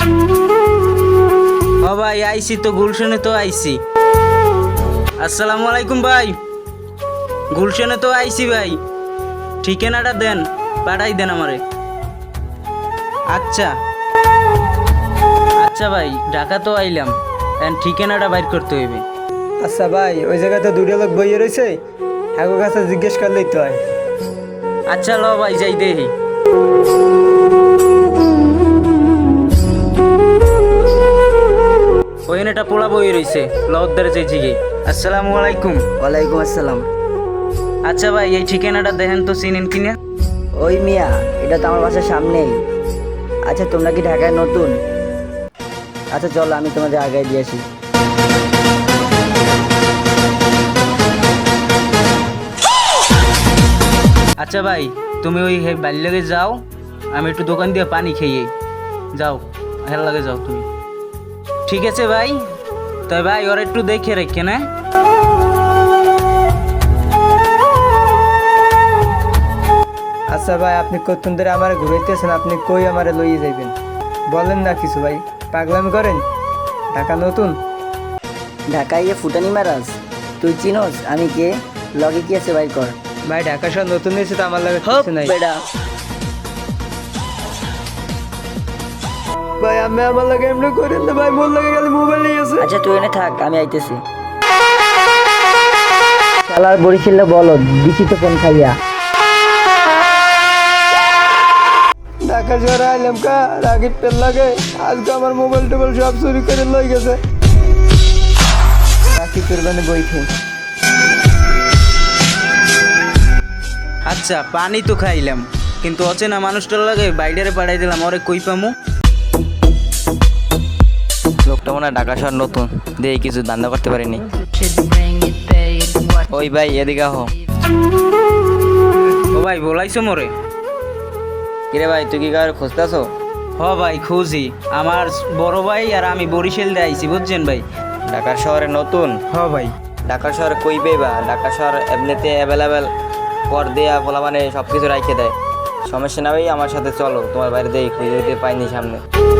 ও ভাই আইছি তো, গুলশনে তো আইছি। আসসালামু আলাইকুম ভাই। গুলশনে তো আইছি ভাই, ঠিকানাটা দেন, পাঠাই দেন আমারে। আচ্ছা আচ্ছা ভাই, ঢাকা তো আইলাম, ঠিকানাটা বাইর করতে হইবে। আচ্ছা ভাই, ওই জায়গাতে দুটো লোক বইয়ে রয়েছে, হ্যাঁ কাছে জিজ্ঞেস করলেই তো হয়। আচ্ছা ল ভাই, যাই দেখি। ওইখানে একটা পোলা বই রয়েছে, লদ্দারে চাইছি গে। আসসালামু আলাইকুম। ওয়ালাইকুম আসসালাম। আচ্ছা ভাই, এই ঠিকানাটা দেখেন তো, চিনেন কিনা? ওই মিয়া, এটা তো আমার বাসার সামনেই। আচ্ছা, তোমরা কি ঢাকায় নতুন? আচ্ছা চলো, আমি তোমাদের আগায় দিয়ে আসি। আচ্ছা ভাই, তুমি ওই বাড়ির লাগে যাও, আমি একটু দোকান দিয়ে পানি খেয়ে যাও, হেল লাগে যাও তুমি। ঠিক আছে ভাই, তাই ভাই ওরা একটু দেখে রেখে না। আচ্ছা ভাই, আপনি কতক্ষণ ধরে আমার ঘুরাইতেছেন, আপনি কই আমারে লইয়ে যাইবেন বলেন না কিছু ভাই, পাগলামি করেন? ঢাকা নতুন? ঢাকায় গিয়ে ফুটানি মারাস? তুই চিনোস আমি কে? লগে কি আছে ভাই কর। ভাই ঢাকা শহর নতুন হয়েছে তো আমার লাগে কিছু নাই। বেটা, ভাই আমি আমার লাগে এমনি করেন না ভাই, মোর লাগে গেলে মোবাইল নিয়ে আছে। আচ্ছা তুই এনে থাক, আমি আইতেছি। শালার বরিশালে বলো দিছি তো ফোন খাইয়া। ঢাকা শহরে আইলাম কা রাগির পেল লাগে, আজকে আমার মোবাইল টোবাইল সব চুরি করে লই গেছে। রাখি করবেন বইতে। আচ্ছা পানি তো খাইলাম, কিন্তু অচেনা মানুষটার লাগে বাইরে পাঠাই দিলাম, ওরে কই পামু? লোকটা মনে হয় ঢাকা শহর নতুন, দিয়ে কিছু ধান্দা করতে পারিনি। ওই ভাই এদিকে আহ। ও ভাই বলাইছো মোরে? কিরে ভাই, তুই কি কার খুঁজতেছো? হ ভাই খুঁজি, আমার বড় ভাই আর আমি বরিশাল দিয়ে আইছি, বুঝছেন ভাই। ঢাকা শহরে নতুন? হ ভাই। ঢাকা শহরে কই পেবা? ঢাকা শহর এমনিতে অ্যাভেলেবেল পর দেয়া বলা মানে সব কিছু রাখে দেয়। সমস্যা না ভাই, আমার সাথে চলো, তোমার বাইরে দিয়ে খুঁজে দিতে পাইনি সামনে।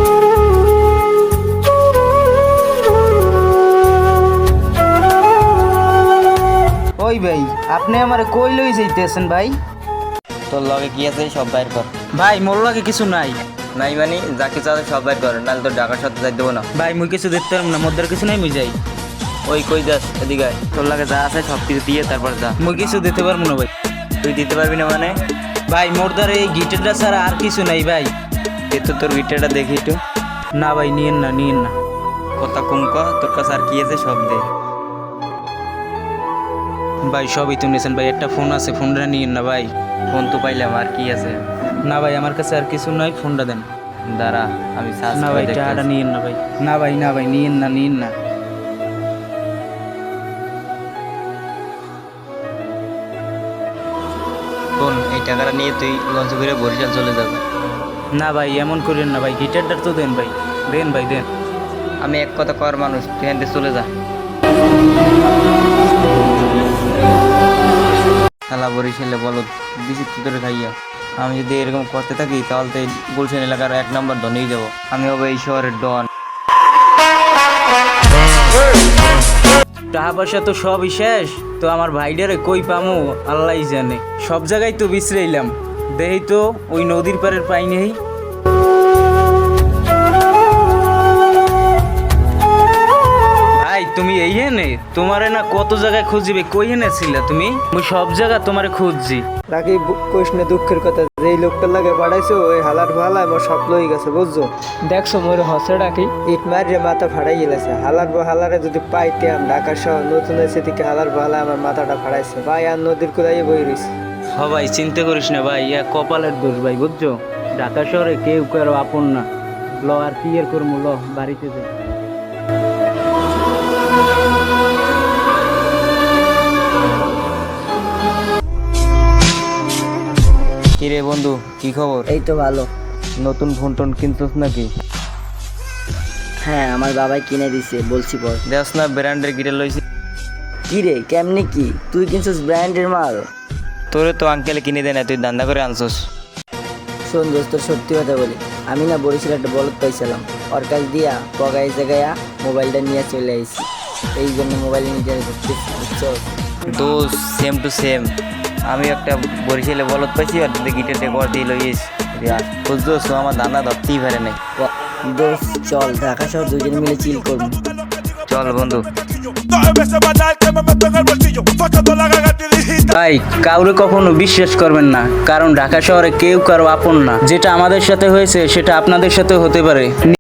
ওই ভাই, আপনি আমারে কই লই যাইতেছেন ভাই? তোর লগে কি আছে সব বাইর কর। ভাই মোর লাগে কিছু নাই। নাই মানে যা কিছু আছে সব বাইর কর, নাহলে তোর ঢাকা শহরে যাই দেবো না। ভাই মুই কিছু দেখতে পারবো না, মোদ্দার কিছু নাই, মুই যাই। ওই কই যাস? এদিকে আয়। তোর লাগে যা আছে সব কিছু দিয়ে তারপর যা। মুই কিছু দিতে পারবো না ভাই। তুই দিতে পারবি না মানে? ভাই মোরদার এই গিটারটা ছাড়া আর কিছু নাই ভাই। এ তো তোর গিটারটা দেখি একটু। না ভাই, নিয়েন না, নিয়েন না। কথা কম কর, তোর কাছে আর কি আছে সব দে। ভাই সবই তো নিয়েছেন ভাই, একটা ফোন আছে, ফোনটা নিয়েন না ভাই। ফোন তো পাইলাম, আর কি আছে? না ভাই, আমার কাছে আর কিছু নাই, ফোনটা দেন। দাঁড়া আমি সার্চ না করে ভাই, দেখতেছি। টাকাটা নিয়েন না ভাই। না ভাই, না ভাই, নিয়েন না, নিয়েন না। শোন, এই টাকাটা নিয়ে তুই লঞ্চ করে বরিশাল চলে যাবে। না ভাই, এমন করেন না ভাই, গিটারটা তো দেন ভাই, দেন ভাই দেন। আমি এক কথা কর মানুষ, তুই এখান থেকে চলে যা। শালা বরিশালে বলো বিচিত্র ধরে খাইয়া। আমি যদি এরকম করতে থাকি তাহলে তো এই গুলশান এলাকার 1 নম্বর ধন হয়ে যাবো। আমি হবো এই শহরের ডন। টাকা পয়সা তো সবই শেষ, তো আমার ভাইডারে কই পামু আল্লাহই জানে। সব জায়গায় তো বিছরাইলাম, দেই তো ওই নদীর পাড়ের পাই নেই। ভাই তুমি এই হেনে, তোমারে না কত জায়গায় খুঁজিবে, কই হেনে ছিলা তুমি? মুই সব জায়গা তোমারে খুঁজছি। রাখি কইস না দুঃখের কথা, যেই লোকটার লাগে পাঠাইছো ওই হালার ভালা আমার সব লই গেছে বুঝছো। দেখছো মোর হসে ডাকি ইট মারিয়ে মাথা ফাড়াই গেছে। হালারে যদি পাইতাম, ঢাকা শহর নতুন হয়েছে থেকে হালার ভালা আমার মাথাটা ফাড়াইছে ভাই, আর নদীর কুদাইয়ে বই রয়েছে। হ ভাই চিন্তা করিস না ভাই, ইয়া কপালের দোষ ভাই, বুঝছো। ঢাকা শহরে কেউ কারো আপন না। ল আর কি এর করবো, ল বাড়িতে যাই। কিরে বন্ধু, কি খবর? এই তো ভালো। নতুন ফোন টোন কিনছিস নাকি? হ্যাঁ, আমার বাবাই কিনে দিছে, বলছি পর। দেখ না ব্র্যান্ডের গিটার লইছি। কি রে, কেমনি কি তুই কিনছিস ব্র্যান্ডের মাল? তোরে তো আঙ্কেলে কিনে দেয় না, তুই দান্দা করে আনছস। শোন দোস্ত, সত্যি কথা বলি, আমি না বরিশাল একটা বলদ পাইছিলাম, ওর কাছ দিয়া পগাই জায়গায় মোবাইলটা নিয়ে চলে আইছি। এই জন্য মোবাইল নিয়ে ঘুরতেছি, বুঝছো? দোষ সেম টু সেম। আমি একটা বরিশালে বলত পাইছি আর গিটারটা কর দিয়ে লইয়েছি। বুঝছো তো আমার দানা ধরতেই পারে নাই। দোস্ত চল ঢাকা শহর দুজন মিলে চিল করবো। চল বন্ধু। ভাই কাউরে কখনো বিশ্বাস করবেন না, কারণ ঢাকা শহরে কেউ কারো আপন না। যেটা আমাদের সাথে হয়েছে সেটা আপনাদের সাথে হতে পারে।